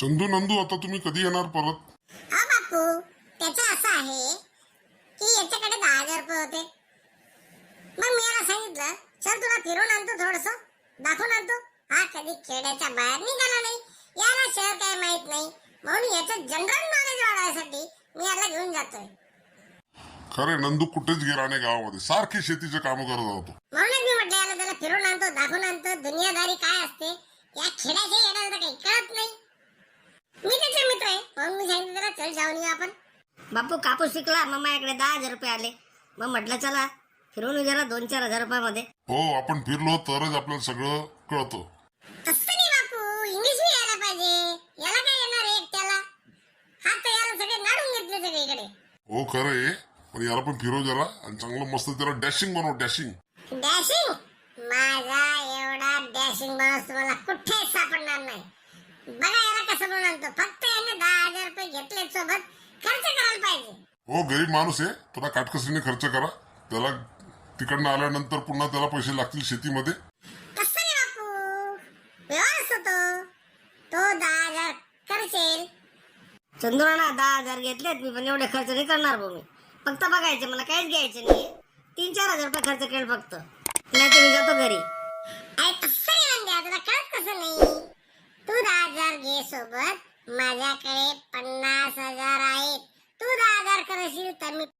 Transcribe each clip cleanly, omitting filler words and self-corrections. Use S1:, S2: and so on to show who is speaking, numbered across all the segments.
S1: चंदू नंदू आता तुम्ही कधी येणार परत?
S2: हा बापू, त्याचं असं आहे की याच्याकडे 10,000 रुपये होते. मग मी याला सांगितलं, चल तुला फिरून आणतो, थोडस दाखवून आणतो. हा कधी खेड्याच्या बाहेर निघाला नाही, याला शहर काय माहित नाही, म्हणून याचं जनरल नॉलेज वाढवायसाठी मी याला घेऊन जातोय.
S1: खरे नंदू कुठेच गेला नाही गावामध्ये, सारखी शेतीचे काम करत होतो.
S2: म्हणूनच मी म्हटलं याला त्याला फिरून आणतो, दाखवून आणतो, दुनियादारी काय असते या खेड्याच्या येण्याला तर काही कळत नाही. मी त्याचे मित्र आहे, म्हणून मी सांगितलं त्याला चल जाऊन येऊ आपण.
S3: बापू कापूस शिकला, मग माझ्याकडे 10,000 रुपये आले. मग म्हटलं चला फिरून येऊ जरा 2-4 रुपयामध्ये.
S1: हो, आपण फिरलो तरच आपल्याला सगळं कळतं.
S2: तसं नाही बापू, इंग्लिश बी यायला पाहिजे. याला काय येणार आहे एकट्याला? हा तर याला सगळे नाडून घेतले सगळीकडे.
S1: हो खरंय, पण याला पण फिरव जरा आणि चांगलं मस्त त्याला डॅशिंग बनव, डॅशिंग.
S2: डॅशिंग? माझा एवढा डॅशिंग माणूस तुम्हाला कुठेच सापडणार नाही. बघा याला कसं म्हणून आणतो, फक्त याने 10,000 रुपये घेतले सोबत, खर्च करायला पाहिजे.
S1: हो, गरीब माणूस आहे, थोडा काटकसरीने खर्च करा. त्याला तिकडनं आल्यानंतर पुन्हा त्याला पैसे लागतील शेतीमध्ये.
S2: तसं नाही बापू, व्यवहार होतो. तो 10,000 खर्चेल.
S3: चंदुराना 10,000 घेतलेत मी, पण एवढे खर्च नाही करणार भाऊ मी. फक्त बघायचे, मला काहीच घ्यायचं नाही. 3-4 रुपये खर्च केलं फक्त, नाही तर मी जातो घरी.
S2: अरे तसं नाही म्हणते, तुला कळत कसं नाही. तू 10,000 घे सोबत, माझ्याकडे 50,000 आहेत. तू 10,000 करशील तर मी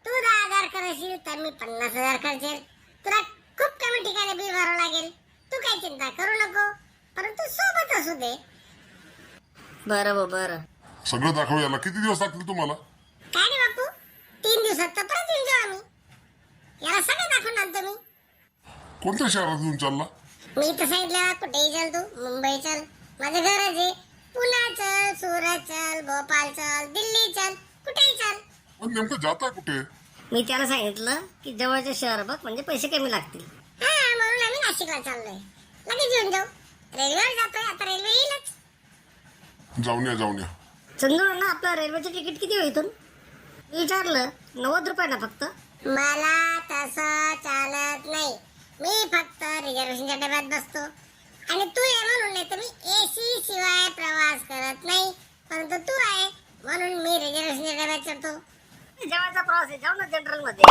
S2: 50,000 खर्चेल. तुला खूप कमी ठिकाणी बिल भरावं लागेल. तू काही चिंता करू नको, परंतु सोबत असू दे.
S3: बरं भाऊ बरं.
S1: सगळं दाखव याला. किती दिवस लागतील तुम्हाला?
S2: काय रे बापू, 3 दिवसात तर परत येऊन जाऊ आम्ही. याला सगळं दाखवून आणतो मी.
S1: कोणत्या शहरात येऊन चालला?
S2: मी तर सांगितलं कुठेही चल, तू मुंबई चल, माझं घरच आहे. पुणे चल, सुरत चल, भोपाळ चल, दिल्ली चल, कुठेही चल.
S1: पण नेमकं जाता कुठे?
S3: मी त्याला सांगितलं की जवळचे शहर बघ, म्हणजे पैसे कमी लागतील.
S2: हा, म्हणून आम्ही नाशिकला चाललोय. लगेच येऊन जाऊ. रेल्वेवर जातोय, आता रेल्वे येईलच.
S1: जाऊन या.
S3: चंदुराना आपलं रेल्वेचं तिकीट किती होईल इथून? मी विचारलं 90 रुपये ना फक्त.
S2: मला तसं चालत नाही. मी फक्त रिझर्वेशनच्या डब्यात बसतो आणि तू आहे म्हणून, नाही तर मी एसी शिवाय प्रवास करत नाही. परंतु तू आहे म्हणून मी रिझर्वेशनच्या डब्यात चढतो.
S3: जेवायचा प्रवास आहे, जाऊ ना जनरल मध्ये.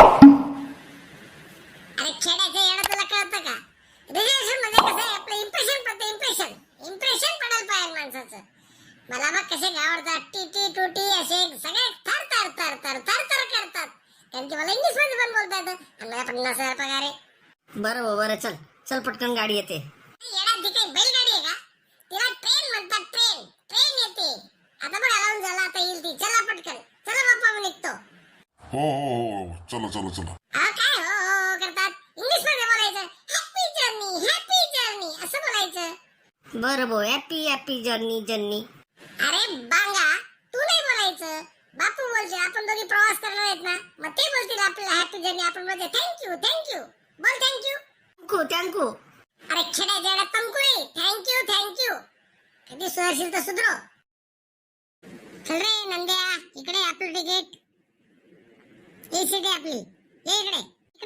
S2: अरे खेड्याचं येणं तुला कळतं का? रिझर्वेशन मध्ये कसं आहे, आपलं इम्प्रेशन पडतं. इम्प्रेशन पडायला पाहिजे माणसाचं. मला मग कसे आवडतात, टी टुटी असे सगळे थर करतात. त्यांची मला इंग्लिश मध्ये पण बोलता येतं. आणि मला 50,000 पगार आहे.
S3: बरं भाऊ बरं, चल पटकन गाडी येते.
S2: येणार ती काही बैलगाडी आहे का? तिला ट्रेन म्हणतात. ट्रेन येते. आता बघा लावून झाला, आता येईल ती. चला पटकन, चला बाप्पा, मी निघतो.
S1: हो, चला.
S2: अहो काय हो करतात, इंग्लिश मध्ये बोलायचं. हॅपी जर्नी असं बोलायचं.
S3: बरं भाऊ, हॅपी जर्नी.
S2: अरे बांगा, तू नाही बोलायचं, बापू बोलते. आपण दोघी प्रवास करणार आहेत ना, मग ते बोलतील आपल्याला हॅपी जर्नी. आपण बोलते थँक्यू बोल,
S3: थँक्यू.
S2: अरे खेड्या जेवढा तंकू रे, थँक्यू. कधी सुधारशील तर सुधरो. चल रे नंद्या, इकडे आपलं तिकीट. ही सीट आपली. ये इकडे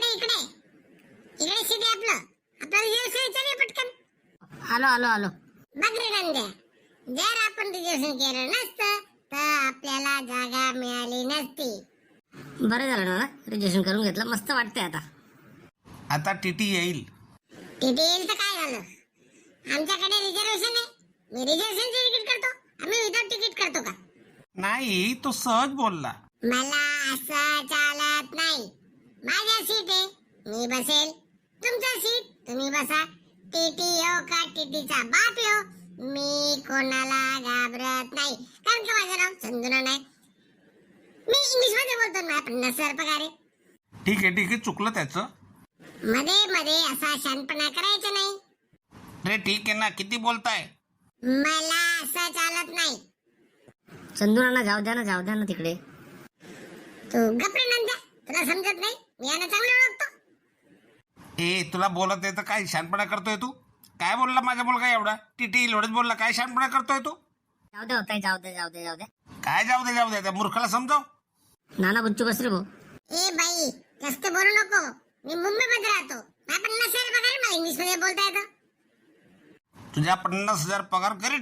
S2: सीट आपलं रिझर्वेशन पटकन.
S3: आलो.
S2: बघ रे नंद्या, जर आपण रिझर्वेशन केलं नसतं तर आपल्याला जागा मिळाली नसती.
S3: बरं झालं ना, रिझर्वेशन करून घेतलं, मस्त वाटतंय आता.
S4: आता टीटी येईल.
S2: टीटी येईल तर काय झालं, आमच्याकडे रिझर्वेशन आहे. मी रिझर्वेशनचे तिकीट करतो. आम्ही विदाउट तिकीट करतो का?
S4: नाही, तो सहज बोलला.
S2: मला असं चालत नाही. माझ्या सीट आहे, मी बसेल. तुमचं सीट, तुम्ही बसा. टीटी हो का टीटीचा बाप हो, मी कोणाला घाबरत नाही. कारण की माझं नाव चंदुरा नाही. मी इंग्लिश मध्ये बोलतो ना. 50,000 पगार आहे.
S4: ठीक आहे, चुकलं त्याचं.
S2: मध्ये असा शानपणा करायचा नाही.
S4: रे ठीक आहे ना, किती बोलताय?
S2: मला असं चालत नाही.
S3: चंदुराना जाऊ द्या ना तिकडे.
S2: तू गप्रे नंद्या, तुला समजत नाही. मी यांना चांगलं ओळखतो.
S4: तुला बोलत आहे तर काय शानपणा करतोय तू? काय बोलला माझा मुलगा एवढा? टीटी एवढंच बोलला, काय शानपणा करतोय तू?
S3: जाऊ दे होताय, जाऊ दे.
S4: काय जाऊ दे, त्या मूर्खाला समजाव.
S3: नाना बुच्चू बस रे भाऊ.
S2: ए बाई, जास्त बोलू नको. मी मुंबईमध्ये राहतो. मला 50,000 पगार, मला इंग्लिश मध्ये बोलता येतं.
S4: तुझ्या 50,000 पगार घरी ठेव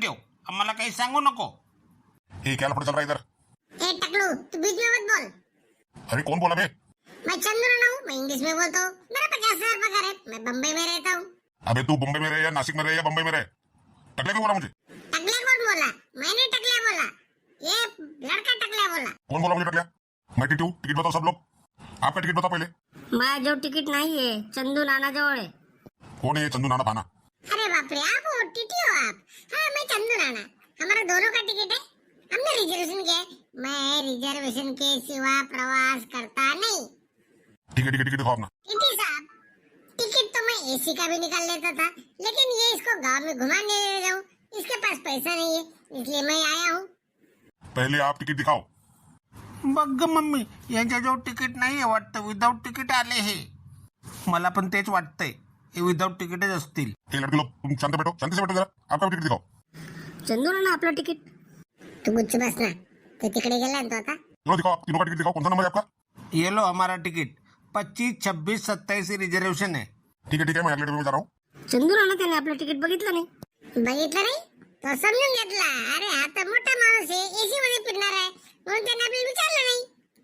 S4: आम्हाला काही सांगू नको.
S1: ये क्या लफड़ा चल रहा है इधर?
S2: ए टकलू, तू बीच में मत बोल.
S1: अरे कौन बोला बे?
S2: मैं चंदू राणा हूँ, मैं इंग्लिश में बोलता हूँ. मेरा 50,000 पगार है, मैं बम्बई में रहता हूँ.
S1: अबे तू बम्बई में रहे या नासिक में रहे या बम्बई में रहे, टकले क्यों बोला मुझे?
S2: टकले कौन बोला? मैंने टकले बोला. ये लड़का टकले बोला.
S1: कौन बोला मुझे टकलिया? मैं टीटी हूँ, टिकट बताओ सब लोग. आपका टिकट बताओ पहले.
S3: माझ्याजवळ तिकीट नाहीये, चंदू नानाजवळ आहे.
S1: कौन है ये चंदू नाना पाना?
S2: अरे बाप रे, आप हो टीटी हो आप. हाँ, मैं चंदू राणा. हमारा दोनों का टिकट है. हमने रिजर्वेशन किया है. मैं रिजर्वेशन के सिवा प्रवास करता नहीं.
S1: ठीक है दिखाओ अपना.
S2: टीटी साहब, टिकट तो मैं एसी का भी निकाल लेता था, लेकिन ये इसको गांव में घुमाने ले जाऊं, इसके पास पैसा नहीं है, इसलिए मैं आया हूँ.
S1: पहले आप टिकट दिखाओ.
S4: बघ ग मम्मी, यांच्याजवळ तिकीट नाहीये वाटतं, विदाऊट तिकीट आले हे. मला पण तेच वाटतंय, हे विदाऊट तिकीटच असतील.
S1: ये लड़के लोग तुम शांत बैठो, शांति से बैठो जरा. आपका भी टिकट दिखाओ.
S3: चंदू नाना आपलं तिकीट.
S2: तू गुच्छ बस ना. तू तिकडे गेला ना तो आता.
S1: तीनों दिखाओ, आप तीनों का टिकट दिखाओ. कौन सा नंबर है आपका?
S4: ये लो हमारा तिकीट 25, 26, 27 रिजर्वेशन है.
S1: ठीक है मैं अगले डब्बे में जा रहा हूँ.
S3: चंदू नाना त्याने आपलं तिकीट बघितलं नाही.
S2: बघितलं नाही तो समजून घेतला. अरे हा तर मोठा माणूस आहे, एसी मध्ये फिरणार आहे, म्हणून त्यांनी आपल्याला विचारलं नाही.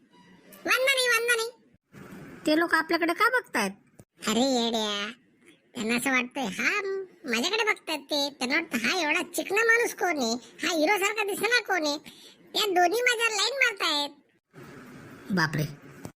S2: वांदा नाही.
S3: ते लोक आपल्याकडे का बघतायत?
S2: अरे येड्या, त्यांना असं वाटतंय हा माझ्याकडे बघतात ते. त्यांना वाटतं हा एवढा चिकना माणूस कोण आहे, हा हिरो सारखा दिसणार कोण आहे. त्या दोन्ही माझ्या लाईन मारतायत.
S3: बापरे.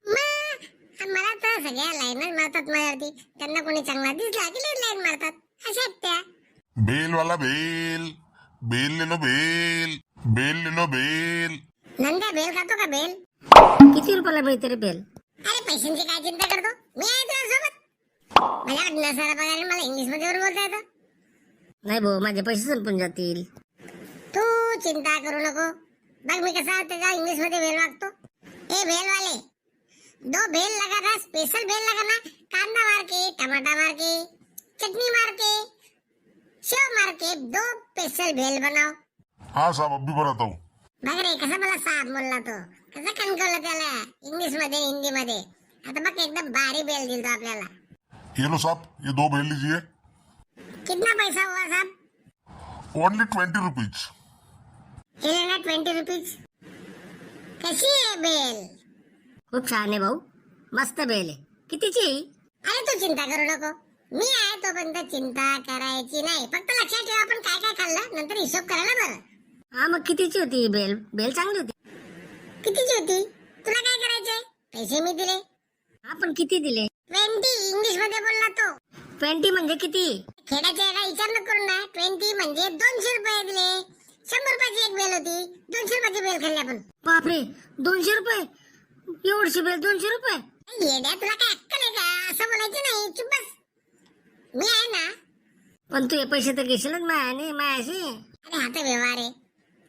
S2: मला तर सगळ्या लाईनच मारतात माझ्यावरती. त्यांना कोणी चांगला दिसला की लाईन मारतात. अशा आहेत त्या.
S1: बेल वाला बेल, बेल ले लो बेल, बेल ले लो बेल.
S2: नंद्या बेल खातो का बेल?
S3: किती रुपयाला मिळते रे बेल?
S2: अरे पैशांची काय चिंता करतो, मी आहे तुझ्या सोबत. माझ्याकडे नसारा पगार, मला इंग्लिश मध्ये बोलता येतं.
S3: नाही भाऊ, माझे पैसे संपून जातील.
S2: तू चिंता करू नको. बघ मी कसा त्याच्या इंग्लिश मध्ये बेल मागतो. ए बेल वाले, 2 बेल लगा था, स्पेशल बेल लगा ना. कांदा मार के, टमाटा मार के, चटनी मार के, सेव मार के 2 स्पेशल बेल बनाओ.
S1: हाँ साहब, अब भी बनाता हूँ.
S2: बघ रे कसा मला साहेब बोलला तो, कसं कणकवलं त्याला इंग्लिश मध्ये हिंदी मध्ये. आता बघ एकदम भारी बेल दिल तो आपल्याला.
S1: ये लो साहब, ये 2 बेल लीजिए.
S2: कितना पैसा हुआ साहब?
S1: Only 20 rupees.
S2: हे लेना 20 रुपीज. कशी आहे बेल?
S3: खूप छान आहे भाऊ, मस्त बेल आहे. कितीची?
S2: अरे तू चिंता करू नको, मी आहे तोपर्यंत चिंता करायची नाही. फक्त लक्षात ठेव आपण काय काय खाल्लं, नंतर हिशोब करायला बरं.
S3: हा मग कितीची होती ही बेल? बेल चांगली होती.
S2: कितीची होती? तुला काय करायचंय? पैसे मी दिले.
S3: हा पण किती दिले?
S2: 20 इंग्लिश मध्ये बोलला तो.
S3: 20 म्हणजे किती?
S2: खेड्याच्या एका विचार न करून ना, 20 म्हणजे 200 रुपये दिले. 100 रुपयाची एक बेल होती, 200 रुपयाची बेल खाल्ली आपण.
S3: बापरे, 200 रुपये? एवढीशी बेल 200 रुपये?
S2: येड्या, तुला काय अक्कल आहे का? असं बोलायचं नाही, चुप बस. मी आहे ना.
S3: पण तू हे पैसे तर घेशीलच मायाशी.
S2: अरे हा तर व्यवहार आहे.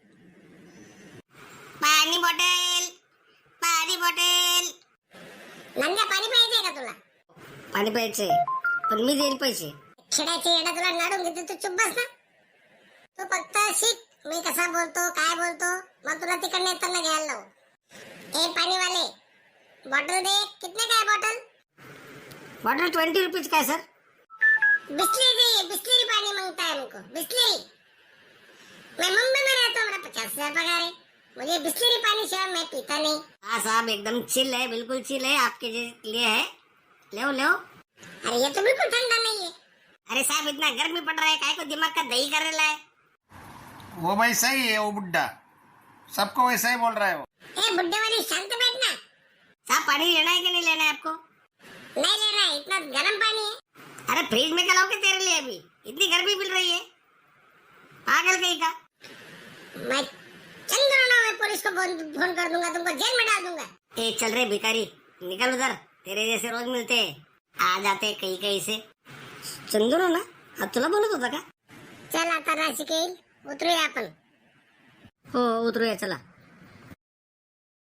S3: पाणी बॉटल, पाणी बॉटल.
S2: नंद्या पाणी पाहिजे का तुला?
S3: पाणी प्यायचंय, पण मी देईल पैसे.
S2: खेड्याची येडा तुला नाडून घेते, तू चुप बस ना. तू फक्त शिक मी कसा बोलतो, काय बोलतो, मग तुला तिकडे येताना घ्यायला लावू. ए पाणीवाले, बॉटल दे. कितने का है बॉटल?
S3: बॉटल 20 रुपीज काय सर?
S2: बिस्लेरी दे, बिस्लेरी पानी मांगता है हमको, बिस्लेरी. मैं मुंबई में रहता हूँ, मेरा 50,000 पगार है, मुझे बिस्लेरी पानी चाहिए, मैं पीता नहीं.
S3: हाँ साहब, एकदम चिल है, बिल्कुल चिल है, आपके लिए है. ले.
S2: अरे ये तो बिल्कुल ठंडा नहीं है.
S3: अरे साहब, इतना गर्मी पड़ रहा है, काय को दिमाग का दही कर रहा है.
S4: वो भाई सही है, वो बुड्ढा सबको वैसा ही बोल रहा है वो.
S2: ए बुड्ढे वाली, शांत बैठना.
S3: साहब, पानी लेना है कि नहीं लेना है आपको?
S2: नहीं लेना है, इतना गर्म पानी है.
S3: अरे फ्रिज में क्या लाओगे तेरे लिए? अभी इतनी गर्मी मिल रही है, पागल कहीं का.
S2: मैं चंद्रना में पुलिस को फोन कर दूंगा, तुमको जेल में डाल दूंगा.
S3: ए चल रे भिखारी, निकल उधर. तेरे जैसे रोज मिलते हैं, आ जाते कहीं से. चंदू ना आज तुला बोलत होता का?
S2: चल आता नाशिक येईल, उतरूया आपण.
S3: हो उतरूया, चला.